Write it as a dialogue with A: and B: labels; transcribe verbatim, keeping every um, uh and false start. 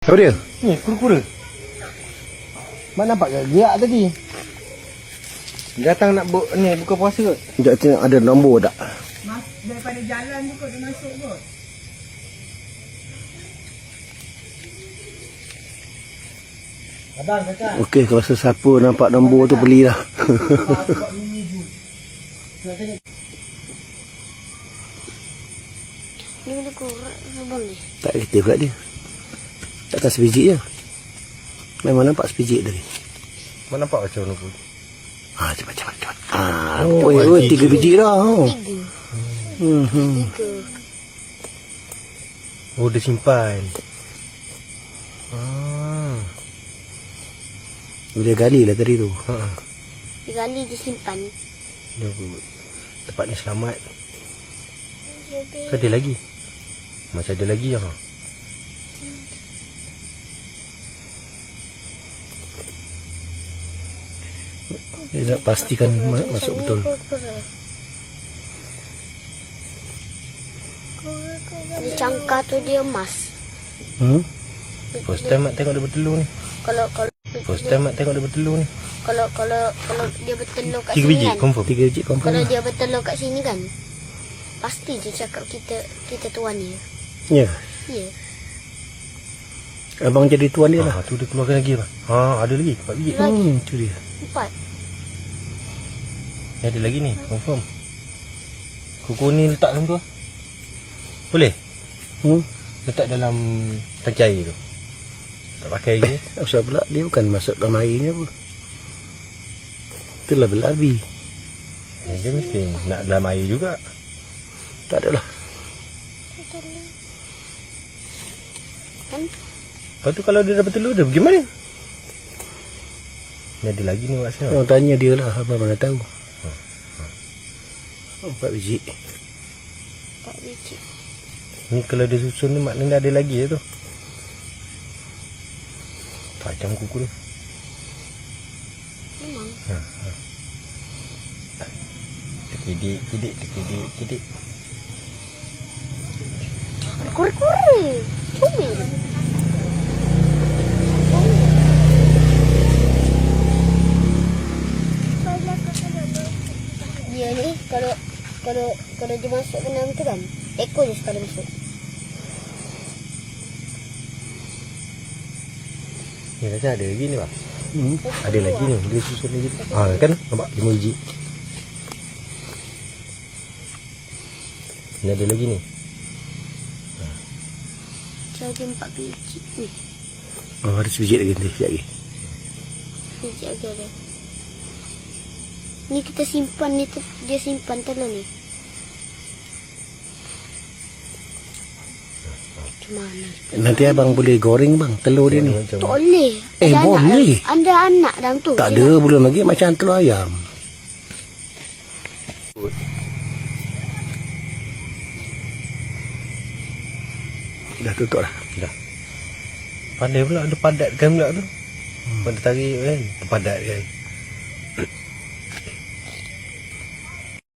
A: Apa dia?
B: Ni, kura-kura. Mak nampak ke? Gerak tadi. Datang nak bu ni buka puasa kot.
A: Sekejap tengok ada nombor tak?
C: Mas, daripada jalan tu kot dia masuk kot.
B: Abang kakak.
A: Okey, kalau sesiapa nampak nombor tu belilah.
D: Ni ada kurang abang ni.
A: Tak kereta pula dia. Tak atas sebiji je. Memang nampak sebiji tadi.
B: Mak nampak macam mana pun.
A: Ha, cepat cepat cepat. Ah, oh, oh, oh, tiga biji dah. Oh.
D: Tiga.
A: Hmm, hmm.
D: Tiga.
B: Oh, dia simpan. Ah.
A: Boleh gali lah tadi tu.
B: Ha.
D: Tiga kali dia simpan.
B: Dia tempat ni selamat. Ke ada lagi? Macam ada lagi ah.
A: Dia nak pastikan ma- masuk betul.
D: Di cangkar tu dia emas.
A: Hmm?
B: First time mak tengok dia bertelur ni.
D: Kalau kalau
B: First time mak tengok dia bertelur ni.
D: kalau kalau kalau dia bertelur kat
B: Tiga
D: sini
B: biji
D: kan.
B: confirm.
A: Tiga biji confirm.
D: Kalau
A: Lah.
D: dia bertelur kat sini kan. Pasti dia cakap kita kita tuan dia.
A: Ya.
D: Ya.
A: Abang jadi tuan dia lah.
B: Ha, tu dia keluarkan lagi apa? Ha, ada lagi empat biji.
D: Lagi.
A: Hmm, tu dia.
D: Empat.
B: Ni ada lagi ni, confirm. Kuku ni letak dalam tu ah. Boleh?
A: Hmm?
B: Letak dalam tangki air tu. Tak pakai lagi.
A: Asal pula dia bukan masuk dalam airnya apa. Itulah berlabi.
B: Ya, dia mesti nak dalam air juga.
A: Tak adalah.
D: Kan?
B: Lepas tu kalau dia dah bertelur dia pergi mana? Ni ada lagi ni maksudnya.
A: Orang tanya dia lah. Abang mana tahu. Empat biji.
D: Empat biji.
B: Ni kalau dia susun ni maknanya ada lagi ya tu. Tajam kuku dia.
D: Memang.
B: Ha, ha. Terkidik, kidik, terkidik, kidik.
D: Kura-kura. Comel. Dia ni kalau kalau kalau dia masuk ke dalam tu kan, ekor je sekali masuk.
B: Ni rasa ada lagi ni bang.
A: Hmm.
B: Ada lagi ni, dia susun lagi. Ha kan, nampak lima biji. Ni ada lagi ni.
D: Jadi empat biji. Ni,
A: Oh, ada sebiji lagi nanti. Sekejap lagi.
D: biji lagi ada. Ni kita simpan ni, tu- dia simpan telur ni. Macam mana?
A: Nanti abang boleh goreng bang telur dia ni.
B: Macam
D: Tak boleh.
A: Eh,
D: Ada anak
A: boleh.
D: dalam- Ada anak dalam tu.
A: Tak
D: Dia
A: ada
D: nak-
A: belum lagi macam telur ayam. Dah tutup dah.
B: dah. Pandai pula ada padat kan pula tu. Hmm. Pada tarik kan, padat kan.